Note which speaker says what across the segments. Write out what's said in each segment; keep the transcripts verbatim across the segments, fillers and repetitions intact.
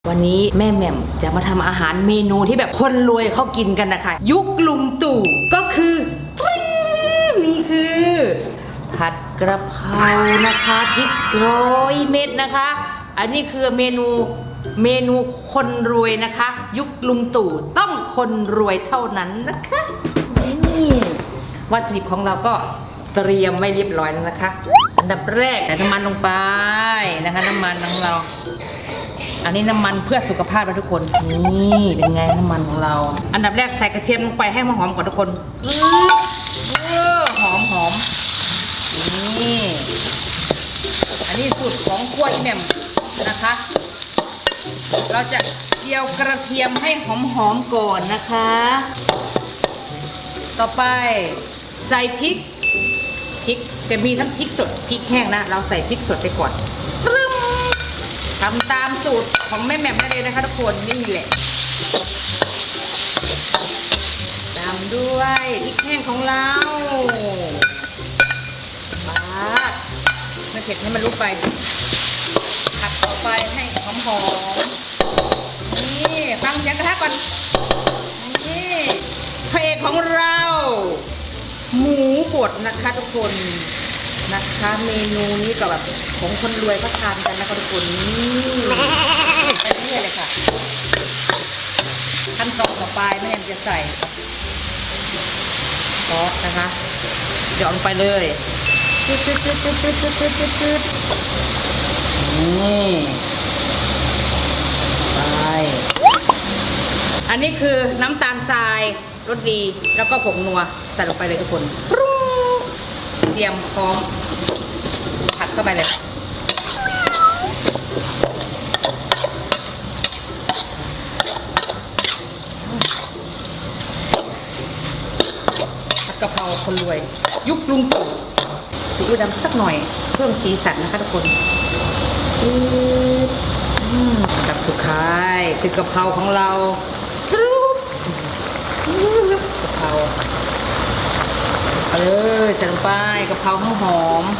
Speaker 1: วันนี้แม่แหม่มจะมาทำอาหารเมนูที่แบบคนรวยเขากินกันนะคะยุคลุงตู่ก็คือนี่คือผัดกระเพรานะคะพริกร้อยเม็ดนะคะอันนี้คือเมนูเมนูคนรวยนะคะ ยุคลุงตู่ต้องคนรวยเท่านั้นนะคะนี่วัตถุดิบของเราก็เตรียมไม่เรียบร้อยแล้วนะคะอันดับแรกใส่น้ำมันลงไปนะคะน้ำมันของเราอันนี้น้ำมันเพื่อสุขภาพนะทุกคนนี่เป็นไงน้ำมันของเราอันดับแรกใส่กระเทียมลงไปให้มันหอมก่อนทุกคนเออหอมหอมนี่อันนี้สูตรของคั่วอีแหม่มนะคะเราจะเจียวกระเทียมให้หอมหอมก่อนนะคะต่อไปใส่พริกพริกจะมีทั้งพริกสดพริกแห้งนะเราใส่พริกสดไปก่อนทำตามสูตรของแม่แหม่มได้เลยนะคะทุกคนนี่แหละตามด้วยพริกแห้งของเราปาดไม่เผ็ดให้มันลุกไปผัดต่อไปให้หอมหอมนี่ฟังเสียงกระทะก่อนนี่พระเอกของเราหมูบดนะคะทุกคนนะคะเมนูนี้ก็แบบของคนรวยเขาทานกันนะคะทุกคนนี่ไปเรื่อยเลยค่ะขั้นตอนต่อไปแม่แอมจะใส่ซอสนะคะหยอดลงไปเลยตึ๊ดตึ๊ดตึ๊ดตึ๊ดตึ๊ดตึ๊ดตึ๊ดตึ๊ดตึ๊ดนี่ไปอันนี้คือน้ำตาลทรายรสดีแล้วก็ผงนัวใส่ลงไปเลยทุกคนเตรียมพร้อมผัดเข้าไปเลยผัดกะเพราคนรวยยุคลุงตู่ซีอิ๊วดำสักหน่อยเพิ่มสีสันนะคะทุกคนอันดับสุดท้ายคือกะเพราของเรากะเพราเอาเลยใส่ลงไปกะเพราหอมหอม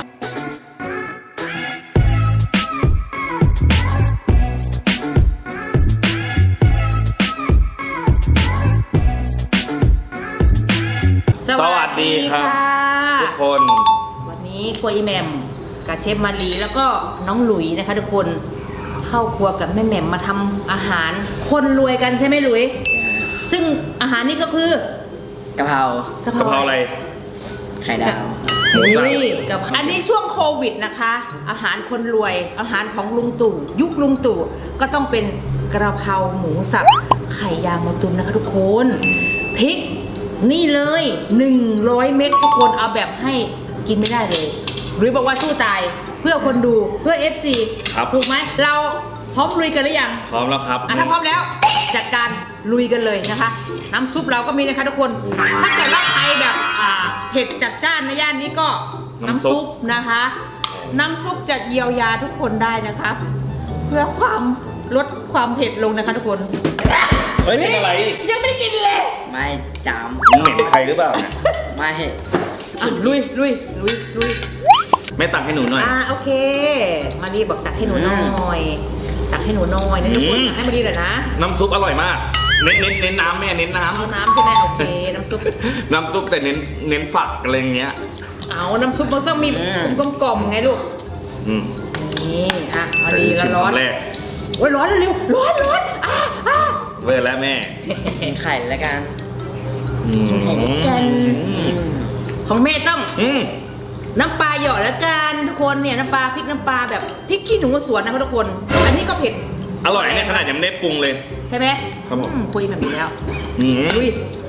Speaker 2: สวัสดีครับทุกคน
Speaker 1: วันนี้ครัวอีแหม่มกับเชฟมารีแล้วก็น้องหลุยนะคะทุกคนเข้าครัวกับแม่แหม่มมาทำอาหารคนรวยกันใช่ไหมหลุยซึ่งอาหารนี้ก็คือกะเพรากะเพราอะไร
Speaker 3: ไข่ดาว
Speaker 1: นี่กับอันนี้ช่วงโควิดนะคะอาหารคนรวยอาหารของลุงตู่ยุคลุงตู่ก็ต้องเป็นกระเพราหมูสับไข่ยางมะตูมนะคะทุกคนพริกนี่เลยหนึ่งร้อยเม็ดทุกคนเอาแบบให้กินไม่ได้เลยหรือบอกว่าสู้ตายเพื่อคนดูเพื่อ เอฟ ซี ถูกไหมเราพร้อมลุยกันหรือยัง
Speaker 2: พร้อมแล้วครับ
Speaker 1: อ่ะถ้าพร้อมแล้วจัดการลุยกันเลยนะคะน้ำซุปเราก็มีนะคะทุกคนถ้าเกิดว่าใครแบบอ่าเผ็ดจัดจ้านในย่านนี้ก็น้ำซุปนะคะน้ำซุปจะเยียวยาทุกคนได้นะคะเพื่อความลดความเผ็ดลงนะคะทุกคน
Speaker 2: เฮ้ยเป็นอะไร
Speaker 1: ยังไม่ได้กินเลย
Speaker 3: ไม่จาม
Speaker 2: เหม็นใครหรือเปล่าเนี่ย
Speaker 3: ไม่
Speaker 1: อ่ะลุยลุยลุยลุย
Speaker 2: ไม่ตักให้หนูหน่อย
Speaker 1: อ่าโอเคมารีบอกตักให้หนูหน่อยตักให้หนูหน่อยนะทุกคนตักให้มารีหน่อยนะ
Speaker 2: น้ำซุปอร่อยมากเน้นเน้นเน้นน้ำแม่เน้นน้ำ
Speaker 1: เอาน้ำใช่ไหมโอเคน้ำซุป
Speaker 2: น้ำซุปแต่เน้นเน้นฝักอะไรเงี้ย
Speaker 1: เอาน้ำซุปมันต้องมีกลมกลมไงลูก
Speaker 2: อืม
Speaker 1: นี่อ่ะมารีแล้วร้อนโอ้ยร้อนเร็วร้อนร้อนอ่ะอ่ะ
Speaker 2: เวอร์แล้วแม่
Speaker 3: ไข่แล้วกัน
Speaker 1: ไข่แล้วกันของแม่ต้องน้ำปลาหยอดแล้วกันทุกคนเนี่ยน้ำปลาพริกน้ำปลาแบบพริกขี้หนูสวนนะทุกคนอันนี้ก็เผ็ด
Speaker 2: อร่อยเนี่ยขนาดยังไม่ได้ปรุงเลย
Speaker 1: ใช่ไหม
Speaker 2: ครับผม
Speaker 1: คุยแบบนี้แล้ว
Speaker 2: อุ้ย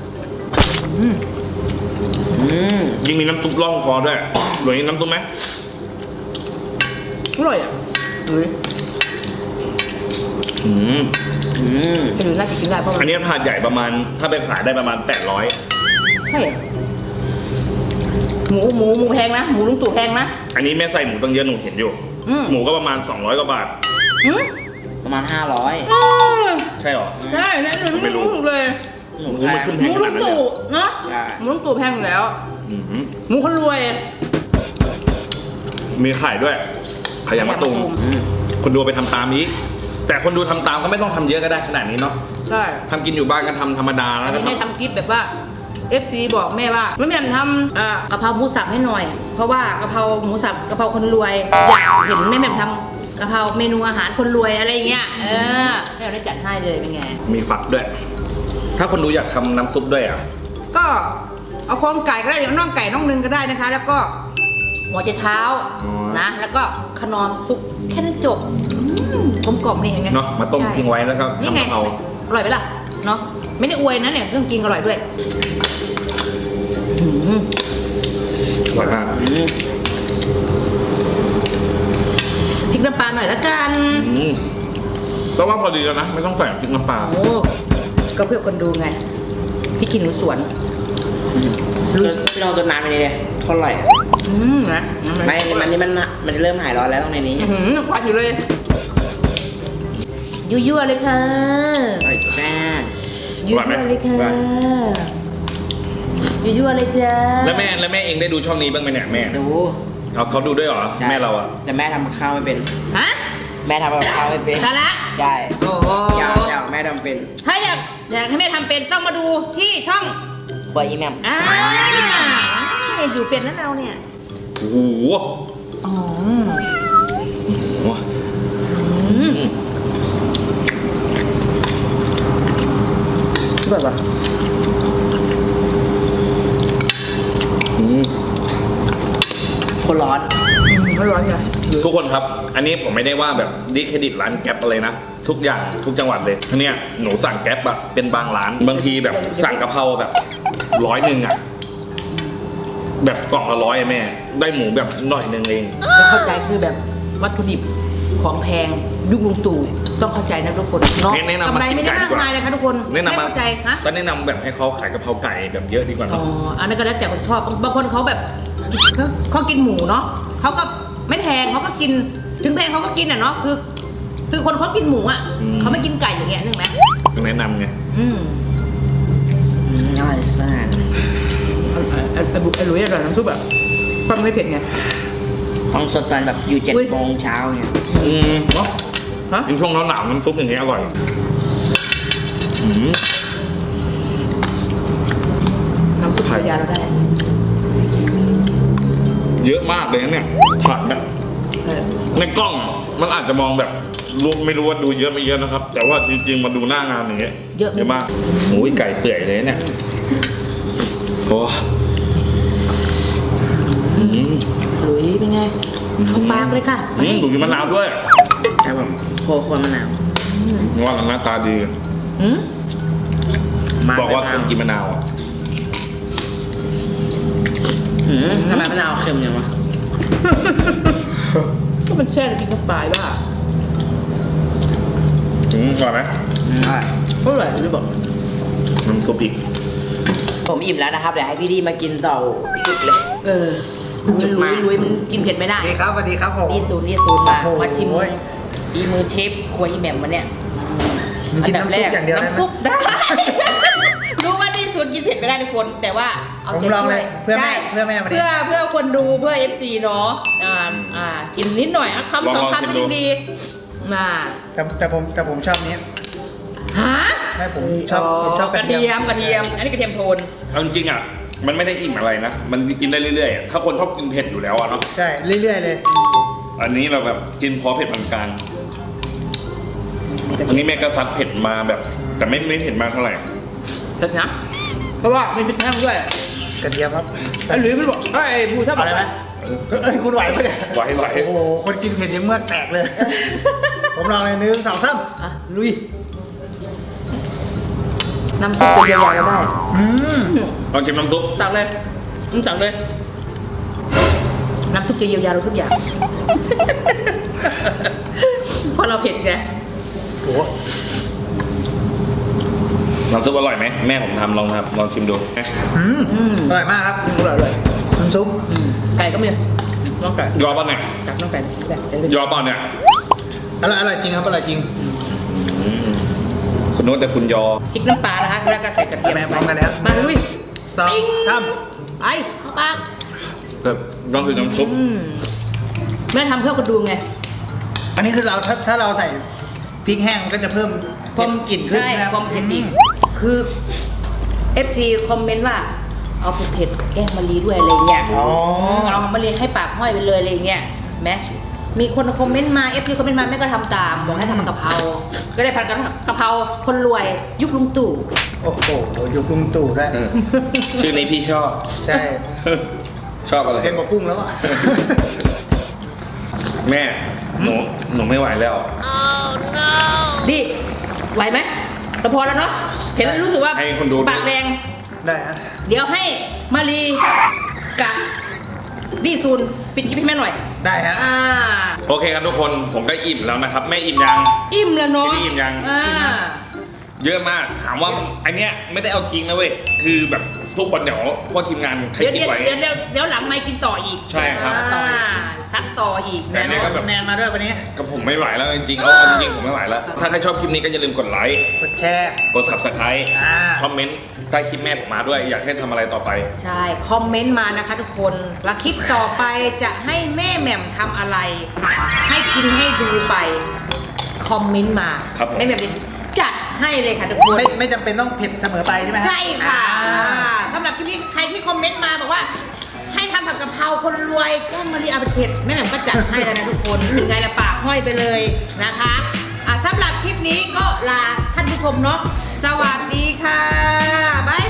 Speaker 2: ยิ่งมีน้ำซุปร่องคอด้วยหรือน้ำซุปไหม
Speaker 1: อร่อยอ่ะอุ้ย
Speaker 2: อืม
Speaker 1: อืมเป็นน่าจะกินได้เพราะ
Speaker 2: อันนี้ถาดใหญ่ประมาณถ้าไปขายได้ประมาณแปดร้อย
Speaker 1: ใช่หมูหมูหมูแพงนะหมูลุงตู่แพงนะ
Speaker 2: อันนี้แม่ใส่หมูตั้งเยอะหนูเห็นอยู่หมูก็ประมาณสองร้อยกว่าบาท
Speaker 3: ประมาณห้าร้อย
Speaker 2: ใช่หรอ
Speaker 1: ใช่แล้วหนูไม่รู้เลย
Speaker 2: หมูมันขึ้นแพงขนาดนั้นเลย
Speaker 1: หมูลุงตู่เนาะหมูลุงตู่แพงอยู่แล้วหมูคนรวย
Speaker 2: มีไข่ด้วยไข่ยางมะตูมคุณดูไปทำตามนี้แต่คนดูทำตามก็ไม่ต้องทำเยอะก็ได้ขนาดนี้เนาะ
Speaker 1: ใช่
Speaker 2: ทำกินอยู่บ้านก็ทำธรรมดา
Speaker 1: อั
Speaker 2: แล้ว
Speaker 1: น
Speaker 2: ก็
Speaker 1: นี้แม่ทำกิ๊บแบบว่า เอฟ ซี บอกแม่ว่าไม่แม่ทำอ่ากะเพราหมูสับให้หน่อย เพราะว่ากะเพราหมูสับกะเพราคนรวย อยากเห็นแม่แม่ทำกะเพราเมนูอาหารคนรวยอะไรอย่างเงี้ย เออแม่ได้จัดให้เลยเป็นไง
Speaker 2: มีฝักด้วย ถ้าคนดูอยากทำน้ำซุปด้วยอ่ะ
Speaker 1: ก็เอาโครงไก่ก็ได้เดี๋ยวน่องไก่น่องนึงก็ได้นะคะ แล้วก็หัวใจเท้า
Speaker 2: อ๋อ
Speaker 1: นะ แล้วก็ขนอนซุปแค่นั้นจบอืมกลมกล่อมนี่เองไง
Speaker 2: เนาะมาต้ม
Speaker 1: ใช่
Speaker 2: ทิ้งไว้แล้วก็
Speaker 1: นี่
Speaker 2: ทำ
Speaker 1: ไง
Speaker 2: กะเพรา
Speaker 1: อร่อยไหมล่ะเนาะไม่ได้อวยนะเนี่ยเรื่องกินอร่อยด้วยอืม
Speaker 2: อร่อยมาก
Speaker 3: อืม
Speaker 1: พริกน้ำปลาหน่อยละกัน
Speaker 2: อืมแต่ว่าพอดีแล้วนะ ไม่ต้องใส่พริกน้ำปลา
Speaker 1: โอ้ก็เพื่อคนดูไงพี่กินหนูสวน
Speaker 3: พี่ลองจนน้ำไปนี่เลยโคตรอร่อย
Speaker 1: อืมนะ
Speaker 3: ไม่มันนี่มันมันเริ่มหายร้อนแล้วตรงในนี้
Speaker 1: อื้อหือควันอยู่เลยยั่วๆเลยค่ะ
Speaker 3: อร่อยแซ่บ
Speaker 1: ยั่วๆเลยค่ะยั่วๆเลยจ้า
Speaker 2: แล้วแม่แล้วแม่เองได้ดูช่องนี้บ้างไหมเนี่ยแม่
Speaker 3: ดู
Speaker 2: เอาเขาดูด้วยเหรอ
Speaker 3: ใช่
Speaker 2: แม่เราอ่ะ
Speaker 3: แต่แม่ทำกับข้าวไม่เป็น
Speaker 1: ฮะ
Speaker 3: แม่ทำกับข้าวไม่เป็น
Speaker 1: สาระ
Speaker 3: ใช่
Speaker 1: โอ้โห
Speaker 3: อยากอยากแม่ทำเป็น
Speaker 1: ถ้าอยากอยากให้แม่ทำเป็นต้องมาดูที่ช่อง
Speaker 3: ครัวอีแมม
Speaker 1: อ่าอยู่เป็นแล้วเราเนี่ย
Speaker 2: โอ้โห
Speaker 1: อ๋อ
Speaker 2: โอ้
Speaker 1: อืมแบบว่า
Speaker 2: อืม
Speaker 3: คนร้อน
Speaker 1: ไม่ร้อนเลย
Speaker 2: ทุกคนครับ อันนี้ผมไม่ได้ว่าแบบดิเครดิตร้านแก๊ปอะไรนะ ทุกอย่างทุกจังหวัดเลยเนี่ยหนูสั่งแก๊ปอะเป็นบางร้าน บางทีแบบสั่งกะเพราแบบร้อยหนึ่งอะแบบกล่องละร้อยอะแม่ ได้หมูแบบหน่อยหนึ่งเอง
Speaker 1: แล้วเข้าใจคือแบบวัตถุดิบของแพงยุคลุงตู่ต้องเข้าใจนะทุกคนเนาะ
Speaker 2: แนะนำ
Speaker 1: กำไรไม่ได้
Speaker 2: มากินไก่ดี
Speaker 1: มาก
Speaker 2: กว่า
Speaker 1: มายเลยค่ะทุกคน
Speaker 2: แนะนำ
Speaker 1: ไม่
Speaker 2: มา
Speaker 1: เข้าใจฮะ
Speaker 2: ก็แนะนำแบบให้เขาขายกะเพราไก่แบบเยอะดีกว่า
Speaker 1: อ๋อ
Speaker 2: เนาะ
Speaker 1: อันนั้นก็แล้วแต่คนชอบบางคนเขาแบบเขาเขากินหมูเนาะเขาก็ไม่แพงเขาก็กินถึงแพงเขาก็กินอ่ะเนาะคือ คือคนเขากินหมูอ่ะเขาไม่กินไก่อย่างเงี้ยนึกไหม
Speaker 2: ต้องแนะนำไง
Speaker 1: อืม
Speaker 3: อืมอร่อยแซ่บ
Speaker 1: ไอ้ไอ้ไอ้หลุยอร่อยน้ำซุปแบบฟังไม่เผ็ดไง
Speaker 3: ต้องสดตอนแบบอยู่เจ็ด
Speaker 1: อุ๊ย
Speaker 3: โมงเช้าเนี่ย
Speaker 2: อืมเนาะ
Speaker 1: ฮะ
Speaker 2: ยิ่งช่วงหนาวๆน้ำซุปอย่างเงี้ยอร่อยอืม
Speaker 1: น้ำซุปภรรยาเราได้
Speaker 2: เยอะมากเลยนะเนี่ยผักแบบ
Speaker 1: เออ
Speaker 2: ในกล้องมันอาจจะมองแบบรู้ไม่รู้ว่าดูเยอะไม่เยอะนะครับ แต่ว่าจริงๆมาดูหน้างานอย่างเงี้ยเยอะมากโอ้ยไก่เปื่อยเลยเนี่ยโอ้อืม
Speaker 1: หลุยเป็นไงเข้าปากเลยค่ะ
Speaker 2: อืมดูกินมะนาวด้วย
Speaker 3: ครับผมโคโคนมะนาว
Speaker 2: ว่าหน้าตาดี
Speaker 1: อืม
Speaker 2: บอกว่าคนกินมะนาวอ่ะ
Speaker 3: หืมทำไมมะนาวเค็มจังวะ
Speaker 1: ก็มันแช่กินเข้าไปบ้า
Speaker 2: อืมก่อนไหม
Speaker 3: อืมอร่อย
Speaker 1: เท่าไหร่หรือบอก
Speaker 2: น้ำซุปอีก
Speaker 3: ผมอิ่มแล้วนะครับ เดี๋ยวให้พี่ดีมากินต่อจุกเลย
Speaker 1: เออลุยลุยลุยมันกินเผ็ดไม่ได้
Speaker 4: สวัสดีครับสวัสดีครับผม
Speaker 1: นี่ศูนย์นี่ศูนย์มา
Speaker 4: โอ้โห
Speaker 1: มาชิมฝีมือเชฟครัวอีแหม่มวันเนี้ย
Speaker 4: กินน้ำซุปอย่างเดียวได้ไหม
Speaker 1: น้ำซุปได้ รู้ว่านี่ศูนย์กินเผ็ดไม่ได้ทุกคน แต่ว่าเอา
Speaker 4: ผม
Speaker 1: ใจ
Speaker 4: ลอง
Speaker 1: ช่
Speaker 4: เล
Speaker 1: วย
Speaker 4: ยเพื่อแม่
Speaker 1: ใช่
Speaker 4: เพื่อแม่วันนี้
Speaker 1: เพื่อเพื่อคนดูเพื่อเอฟซีเนาะอ่าอ่ากินนิดหน่อยอ่ะคำสองคำก็ยังดีมา
Speaker 4: แต่แต่ผมแต่ผมชอบนี้
Speaker 1: ฮะ
Speaker 4: ไม่ผมชอบผมชอบ
Speaker 1: กระเทียมกระเทียม อันนี้กระเทียมโทน
Speaker 2: เอาจริงๆอ่ะมันไม่ได้อิ่มอะไรนะมันกินได้เรื่อยๆอะถ้าคนชอบกินเผ็ดอยู่แล้วอ่ะเนาะ
Speaker 4: ใช่เรื่อยๆเลย
Speaker 2: อันนี้เราแบบกินพอเผ็ดปานกลางอันนี้แม่ก็ซัดเผ็ดมาแบบ แต่ไม่ไม่เผ็ดมากเท่าไหร่
Speaker 1: เผ็ดนะเพราะว่ามีพริกแห้งด้วย
Speaker 4: กระเทียมครับ
Speaker 1: ไอ้หลุยมันบอกไอ้ผู้ชอบ
Speaker 4: เอาเลยไหมเอ้ยคุณไหวปะเนี่ย
Speaker 2: ไหวไหว
Speaker 4: โอ้โหคนกินเผ็ดยังเมือกแตกเลย ผมลองเลยหนึ่งสองสาม
Speaker 1: อ่ะลุยน้ำซุปจะยาวๆก็ได้
Speaker 4: อืม
Speaker 2: ลองชิมน้ำซุป
Speaker 1: ตักเลยมึงตักเลย น้ำซุปจะเยียวยาเราทุกอย่าง เพราะเราเผ็ดไง
Speaker 4: โอ้โห
Speaker 2: น้ำซุปอร่อยไหมแม่ผมทำลองครับลองชิมดู
Speaker 4: อืม
Speaker 1: อืม
Speaker 4: อร่อยมากครับ
Speaker 1: อร่อยเลย
Speaker 4: น้ำซุป
Speaker 1: ไก่ก็มีน้องไก่
Speaker 2: ยอป่ะเนี่ย
Speaker 1: จับน้องไก่ไก่
Speaker 2: ยอป่ะเนี่ย
Speaker 4: อร่อยอร่อยจริงครับอร่อยจริง
Speaker 2: อืมคุณโน้ตแต่คุณยอ
Speaker 1: พริกน้ำปลานะคะแล้วก็ใส่กระเทียม
Speaker 4: แม่พร้อมกันแล้ว
Speaker 1: มาลุย
Speaker 4: สองสาม
Speaker 1: ไปเข้าปาก
Speaker 2: แบบลองคือน้ำซุป
Speaker 1: อืมแม่ทำเพื่อคนดูไง
Speaker 4: อันนี้คือเราถ้าถ้าเราใส่พริกแห้งก็จะเพิ่มความกลิ่นขึ้น
Speaker 1: ใช่
Speaker 4: นะครับ
Speaker 1: ความเผ็ดอีกคือ เอฟ ซี คอมเมนต์ว่า เอาเผ็ดๆแกล้งมะลิด้วยอะไรเงี้ย
Speaker 4: อ๋อ
Speaker 1: เอามะลิให้ปากห้อยไปเลยอะไรเงี้ยแม้มีคนคอมเมนต์มา เอฟ ซี คอมเมนต์มาแม่ก็ทำตามบอกให้ทำผัดกะเพราก็ได้ผัดกะเพราคนรวยยุคลุงตู่
Speaker 4: โอ้โหอยู่กรุงตู่ได้
Speaker 2: เออชื่อนี้พี่ชอบ
Speaker 4: ใช่
Speaker 2: ชอบอะไร
Speaker 4: เล่นกับกุ้งแล้วอ่ะ
Speaker 2: แม่หนูหนูไม่ไหวแล้ว
Speaker 1: ดิไหวไหมแต่พอแล้วเนาะเห็นแล้วรู้สึกว่า
Speaker 2: ให้คนดู
Speaker 1: ปากแดง
Speaker 4: ได้ฮะ
Speaker 1: เดี๋ยวให้มารีกับดีซูนปิดคลิปให้แม่หน่อย
Speaker 4: ได้ฮะ
Speaker 1: อ่า
Speaker 2: โอเคครับทุกคนผมก็อิ่มแล้วนะครับแม่อิ่มยัง
Speaker 1: อิ่มแล้วเนาะ
Speaker 2: พี่อิ่มยัง
Speaker 1: อ่า
Speaker 2: เยอะมากถามว่าไอเนี้ยไม่ได้เอาทิ้งนะเว้ยคือแบบทุกคนเดี๋ยวพวกทีมงานใคร
Speaker 1: เดี๋ยว
Speaker 2: คิด
Speaker 1: เดี๋ยว
Speaker 2: ไว้
Speaker 1: เดี๋ยวเดี๋ยวเดี๋ยวหลังไม่กินต่ออีก
Speaker 2: ใช่ครับ
Speaker 1: อ่าซัดต่ออีก
Speaker 2: แต่เนี่ยก็แบบ
Speaker 4: แนนมาด้วยวันนี้
Speaker 2: กับผมไม่ไหวแล้วจริงๆเอาเอาจริงๆผมไม่ไหวแล้ว ถ้าใครชอบคลิปนี้ก็อย่าลืมกดไลค์
Speaker 4: กดแชร์
Speaker 2: กด subscribe
Speaker 4: อ่า
Speaker 2: คอมเมนต์ใต้คลิปแม่ผมมาด้วย อยากให้ทำอะไรต่อไป
Speaker 1: ใช่ คอมเมนต์มานะคะทุกคนแล้วคลิปต่อไปจะให้แม่แหม่มทำอะไร ให้กินให้ดูไป คอมเมนต์มา
Speaker 2: ครับผม
Speaker 1: แม่แหม่มจะจัดให้เลยค่ะทุกคน
Speaker 4: ไม่ไม่จำเป็นต้องเผ็ดเสมอไปใช่ไหมฮ
Speaker 1: ใช่ค่ะ
Speaker 4: อ่า
Speaker 1: สำหรับคลิปนี้ใครที่คอมเมนต์มาบอกว่า ให้ทำผัดกะเพราคนรวยแกล้งมารีอาเผ็ดแม่แหม่มก็จัดให้แล้วนะทุกคนเป็นไงละปากห้อยไปเลยนะคะอ่ะสำหรับคลิปนี้ก็ลาท่านผู้ชมเนาะสวัสดีค่ะบ๊าย